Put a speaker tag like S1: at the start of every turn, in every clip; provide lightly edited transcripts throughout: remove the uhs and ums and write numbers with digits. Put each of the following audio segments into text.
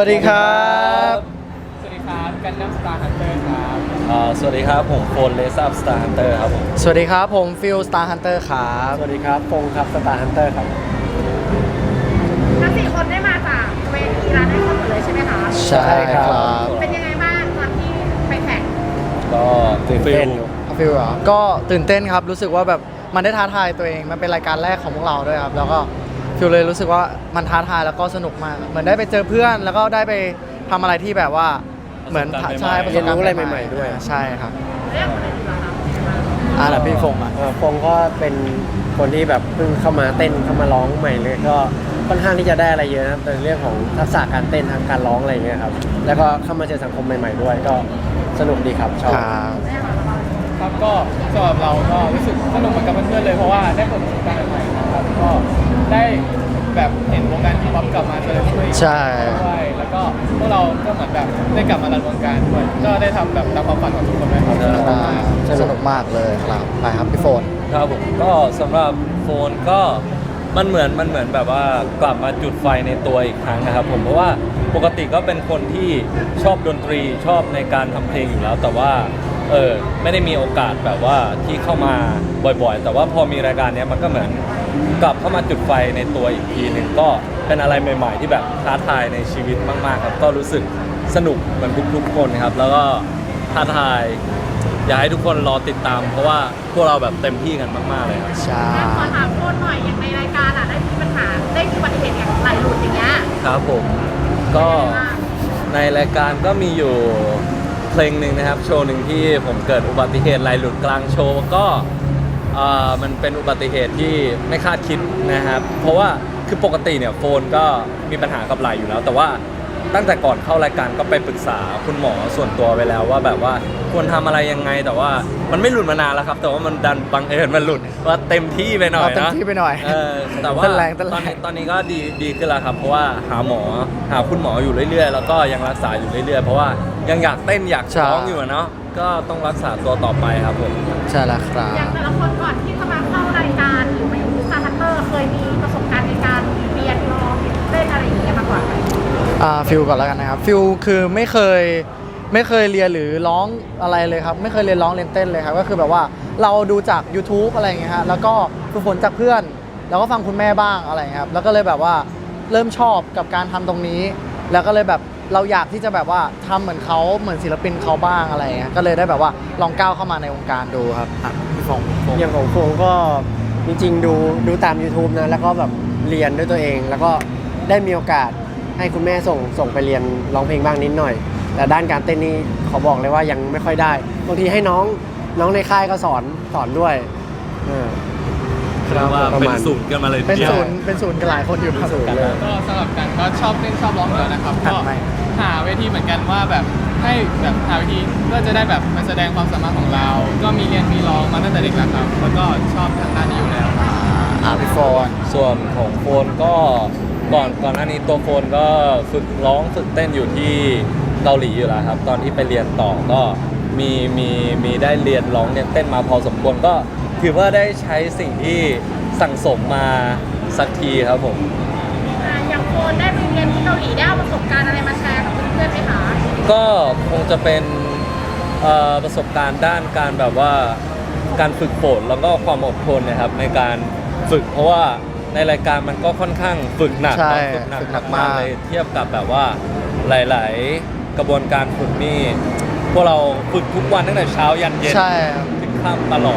S1: วัสดีครับ
S2: สวัสดีครับกันดั้มสตาร์ฮันเตอร์ครับ
S3: สวัสดีครับผมโฟนเลซับสตาร์ฮันเตอร์ครับผม
S1: สวัสดีครับผมฟิลสตาร์ฮันเตอร์ครับ
S3: สวัสดีครับฟงครับสตาร์ฮันเตอร์ครับ
S4: ทั้ง4 คนได้มาจากเวทีร้านไอคอนหมดเลยใช่ไหมคะ
S1: ใช่ครับ
S4: เป็นยังไงบ้างตอนที่ไปแข่ง
S3: ก็ตื่นเต้น
S1: ฟิลเหรอก็ตื่นเต้นครับรู้สึกว่าแบบมันได้ท้าทายตัวเองมันเป็นรายการแรกของพวกเราด้วยครับแล้วก็ฟิลเลยรู้สึกว่ามันท้าทายแล้วก็สนุกมากเหมือนได้ไปเจอเพื่อนแล้วก็ได้ไปทำอะไรที่แบบว่าเหมือนใช่ประสบการณ์ใหม่ๆด้วยใช่ครับ
S4: เรียกคนอื่นดีกว่าครับ
S1: แล้วพี่ฟงอ่ะ
S5: ฟงก็เป็นคนที่แบบเพิ่งเข้ามาเต้นเข้ามาร้องใหม่เลยก็ค่อนข้างที่จะได้อะไรเยอะนะครับในเรื่องของทักษะการเต้นทางการร้องอะไรอย่างเงี้ยครับแล้วก็เข้ามาเจอสังคมใหม่ๆด้วยก็สนุกดีครับชอบ
S2: ครับก็สำหรับเราก็รู้สึกสนุกเหมือนกับเพื่อนๆเลยเพราะว่าได้เปิดประสบการณ์ใหม่ๆนะครับก็ได้แบบเห็นวงการฮิปฮอปกลับมาเจริญรุ่งเรือง
S1: ใช่
S2: ด้วยแล้วก็พวกเราก็เหมือนแบบได้กลับมารันวงการด้วยก็ได้ทำแบบตามความฝันของทุกคนเลยครับ
S1: สนุกมากเลยครับไปครับพี่โฟน
S3: ครับผมก็สำหรับโฟนก็มันเหมือนแบบว่ากลับมาจุดไฟในตัวอีกครั้งนะครับผมเพราะว่าปกติก็เป็นคนที่ชอบดนตรีชอบในการทำเพลงอยู่แล้ว แต่ว่าไม่ได้มีโอกาสแบบว่าที่เข้ามาบ่อยๆ แต่ว่าพอมีรายการนี้มันก็เหมือนกลับเข้ามาจุดไฟในตัวอีกทีหนึ่งก็เป็นอะไรใหม่ ๆ ที่แบบท้าทายในชีวิตมากๆครับก็รู้สึกสนุกเหมือนทุกๆคนครับแล้วก็ท้าทายอยากให้ทุกคนรอติดตาม เพราะว่าพวกเราแบบเต็มที่กันมากๆเลยครับ
S1: ใช่
S4: ขอถามโคนหน่อยอย่างในรายการได้มีปัญหาได้มีอุบัติเหตุอย่างไหลหลุดอย่างเงี้ย
S3: ครับผมก็ในรายการก็มีอยู่เพลงหนึ่งนะครับโชว์หนึ่งที่ผมเกิดอุบัติเหตุไหลหลุดกลางโชว์ก็มันเป็นอุบัติเหตุที่ไม่คาดคิดนะครับเพราะว่าคือปกติเนี่ยโฟนก็มีปัญหากับไหลอยู่แล้ว แต่ว่าตั้งแต่ก่อนเข้ารายการก็ไปปรึกษาคุณหมอส่วนตัวไปแล้วว่าแบบว่าควรทำอะไรยังไงแต่ว่ามันไม่หลุดมานานแล้วครับแต่ว่ามันดันบังเอิญมันหลุดว่าเต็มที่ไปหน่อยนะ
S1: เต็มที่ไปหน่อย
S3: แต่ว่า
S1: เต้นแรง
S3: ตอนนี้ก็ดีขึ้นแล้วครับเพราะว่าหาคุณหมออยู่เรื่อยๆ แล้วก็ยังรักษาอยู่เรื่อยๆ เพราะว่ายังอยากเต้นอยากร้องอยู่อะเนาะก็ต้องรักษาตัวต่อไปครับผม
S1: ใช่แล้วครับ
S4: อย่างแต่ละคนก่อนที่จะมาเข้ารายการหรือมาอยู่สตาร์ฮันเตอร์เคยมีประสบการณ์ในการเรียนร้องเล่นอะไรอย่างเงี้ยมาก่อนไหม
S1: ฟิลก่อนแล้วกันนะครับฟิลคือไม่เคยเรียนหรือร้องอะไรเลยครับไม่เคยเรียนร้องเรียนเต้นเลยครับก็คือแบบว่าเราดูจาก YouTube อะไรอย่างเงี้ยฮะแล้วก็ฝึกฝนจากเพื่อนแล้วก็ฟังคุณแม่บ้างอะไรอย่างเงี้ยครับแล้วก็เลยแบบว่าเริ่มชอบกับการทำตรงนี้ แล้วก็เลยแบบเราอยากที่จะแบบว่าทำเหมือนเขาเหมือนศิลปินเขาบ้างอะไรอย่างเงี้ยก็เลยได้แบบว่าลองก้าวเข้ามาในวงการดูครับพี่ฟง
S5: อย่างของฟงก็จริงๆดูตาม YouTube นะแล้วก็แบบเรียนด้วยตัวเอง แล้วก็ได้มีโอกาสให้คุณแม่ส่งไปเรียนร้องเพลงบ้างนิดหน่อย แต่ด้านการเต้นนี่ขอบอกเลยว่ายังไม่ค่อยได้บางทีให้น้องในค่ายก็สอนด้วย
S3: คือว่าเป็นศูนย์กันมาเลย
S1: เป็น
S3: ทีดียว
S1: ศูนย์กันหลายคนอยู่ครับ
S2: ก็สำหรับกันก็ชอบเต้นชอบร้องอยู่แล้วนะครับ
S1: ครั
S2: ก็
S1: บไม่
S2: หาเวทีเหมือนกันว่าแบบให้แบบหาเวทีเพื่อจะได้แบบมาแสดงความสามารถของเรา ก็มีเรียนมีร้องมาตั้งแต่เด็กแล้วครับแล้วก็ชอบทางด้านนี้อยู่แล้ว
S1: พี่โฟน
S3: ส่วนของโฟนก็ก่อนหน้านี้ตัวโฟนก็ฝึกร้องฝึกเต้นอยู่ที่เกาหลีอยู่แล้วครับตอนที่ไปเรียนต่อก็มีได้เรียนร้องเรียนเต้นมาพอสมควรก็ถือว่าได้ใช้สิ่งที่สั่งสมมาสักทีครับผม
S4: อย่างโคนได้ไปเรียนที่เกาหลีได้เอาประสบการณ์อะไรมาแชร์กับเพื่อนๆไหมคะ
S3: ก็คงจะเป็นประสบการณ์ด้านการแบบว่าการฝึกฝนแล้วก็ความอดทนนะครับในการฝึกเพราะว่าในรายการมันก็ค่อนข้างฝึกหนัก
S1: ใช่
S3: เนอะ
S1: ฝึกหนักมาก
S3: เลยเทียบกับแบบว่าหลาย ๆ กระบวนการฝึกนี่พวกเราฝึกทุกวันตั้งแต่เช้ายันเย็น
S1: ใช่ครับ
S3: ถึงค่ำตลอด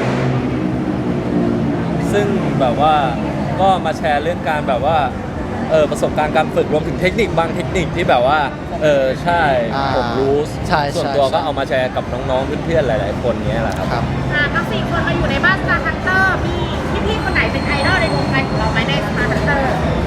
S3: ซึ่งแบบว่าก็มาแชร์เรื่องการแบบว่าประสบการณ์การฝึกรวมถึงเทคนิคบางเทคนิคที่แบบว่าใช่ผมรู้
S1: ใช่
S3: ส่วนตัวก็เอามาแชร์กับน้องๆเพื่อนๆหลาย ๆ คนเนี้ยแหละครับ
S1: ครับ
S4: ทั้ง4 คนมาอยู่ในบ้านสตาร์ฮันเตอร์มีพี่ๆคนไหนเป็นไอดอลในวงการของเราไหมในสตาร์ฮันเตอร์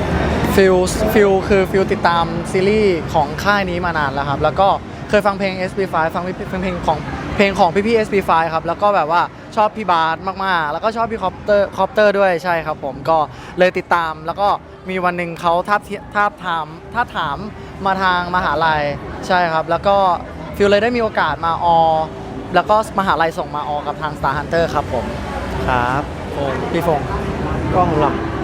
S1: ฟิลติดตามซีรีส์ของค่ายนี้มานานแล้วครับแล้วก็เคยฟังเพลง SB5 ฟังเพลงของพี่ๆ SB5 ครับแล้วก็แบบว่าชอบพี่บาสมากๆแล้วก็ชอบพี่คอปเตอร์ด้วยใช่ครับผมก็เลยติดตามแล้วก็มีวันหนึ่งเขาทาบถามมาทางมหาลัยใช่ครับแล้วก็ฟิลเลยได้มีโอกาสมาแล้วก็มหาลัยส่งมากับทาง Star Hunter ครับผมครับพี่ฟง
S5: ก็สำหรับ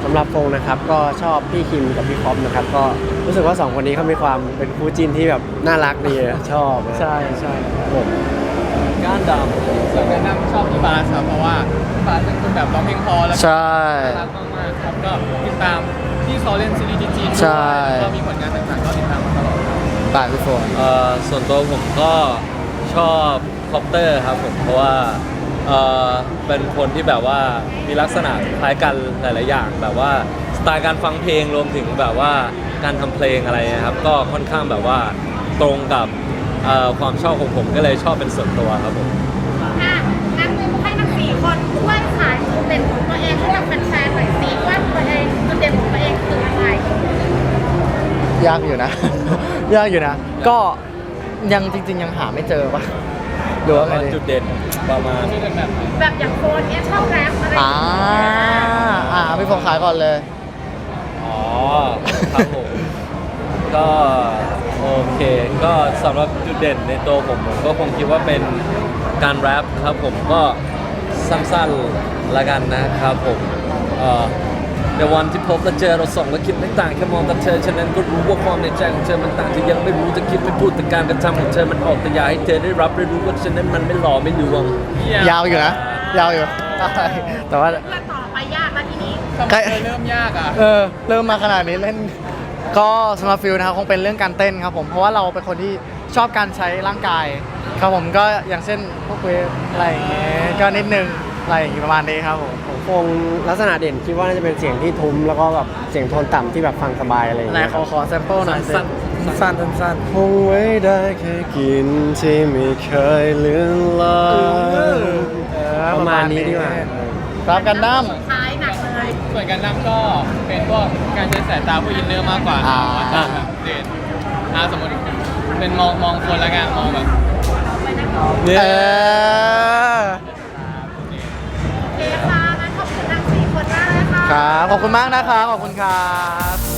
S5: สำหรับโฟงนะครับก็ชอบพี่คิมกับพี่คอปนะครับก็รู้สึกว่า2คนนี้เขามีความเป็นคู่จิ้นที่แบบน่ารักดีอะชอบนะ
S1: ใช่ใช่ครับ
S5: ผม
S3: ก้านด
S2: ส่วนแนะนำชอบพี่บาสครับเพราะว่าพี่บาสเป็นคนแบบร้องเพลงเพอแล้วก็
S1: ใช่
S2: น่ารักมากๆครับก็ติดตามที่เขาเล่นซีรีส์ที่จีนด้วย
S1: ใช่
S2: แล้วก็มีผลงานต่างๆก็ติดตามมาตลอดครับ
S1: ป่าพี่โฟน
S3: ส่วนตัวผมก็ชอบคอปเตอร์ครับผมเพราะว่าเป็นคนที่แบบว่ามีลักษณะคล้ายกันหลาย ๆ อย่าง แบบว่าสไตล์การฟังเพลงรวมถึงแบบว่าการทำเพลงอะไรนะครับก็ค่อนข้างแบบว่าตรงกับความชอบของผมก็เลยชอบเป็นส่วนตัวครับผม
S4: อ่ะงั้นให้ทั้ง4 คนช่วยขายจุดเด่นของตัวเองให้กับแฟนๆหน่อยสิว่าตัวเองจุดเด่นของตัวเองคืออะไร
S1: ยากอยู่นะ ยากอยู่นะ ก็ยังจริง ๆ ยังหาไม่เจอปะหรือว่าไงดี
S3: จุดเด่นประมาณ
S2: ชื่อเป็นแบบ
S4: แบบอย่างโฟนเนี้ยชอบแรปอะไรอย่าง
S1: อ่า
S4: เงี้ย
S1: พี่โฟนขายก่อนเลย
S3: อ๋อครับผมก็โอเคก็สำหรับจุดเด่นในตัวผมก็คงคิดว่าเป็นการแรปครับผมก็สั้นๆละกันนะครับผมในวันที่พบและเจอเราสองและคิดไม่ต่างแค่มองตาเธอฉะนั้นก็รู้ว่าความในใจของเธอมันต่างที่ยังไม่รู้จะคิดไม่พูดแต่การกระทำของเธอมันออกแต่อยากให้เธอได้รับได้รู้ว่าฉะนั้นมันไม่หล่อไม่ลวง
S1: ยาวอยู่นะ ยาวอยู่ใช่แต่ว่า
S4: เพื่อนต่อไปยากแล้วทีนี้
S2: ทำไมเริ่มยากอ่ะ
S1: เริ่มมาขนาดนี้เล่น ก็สำหรับฟิลนะครับคงเป็นเรื่องการเต้นครับผมเพราะว่าเราเป็นคนที่ชอบการใช้ร่างกายครับผมก็อย่างเช่นพวกเวฟอะไรอย่างเงี้ยก็นิดนึงอะไรอย่างงี้ประมาณนี้ครับผม
S5: ของโฟงลักษณะเด่นคิดว่าน่าจะเป็นเสียงที่ทุ้มแล้วก็แบบเสียงโทนต่ำที่แบบฟังสบายอะไรอย่าง
S1: ไหน
S5: เงี้ย
S1: ขอแซมเปิลหน่อยสิ
S3: สั้นๆ
S1: สั้น
S5: คงไว้ได้แค่กินที่ไม่เคยเลือนลาง ประมาณนี้ดีกว่า
S1: รับกันดั้ม
S4: ท้ายหนักเลย
S2: ส่วนการนำก็เป็นพวกการใช้สายตาผู้อินเนอร์มากกว่า
S1: อ่า
S2: ว่าจะแบบเด่นสมมติเป็นมองคนละกันมองแบบ
S1: เออ
S4: โอเคค่ะงั้นขอบคุณทั้ง4 คนมากเลยค่ะ
S1: ครับขอบคุณมากนะครับขอบคุณครับ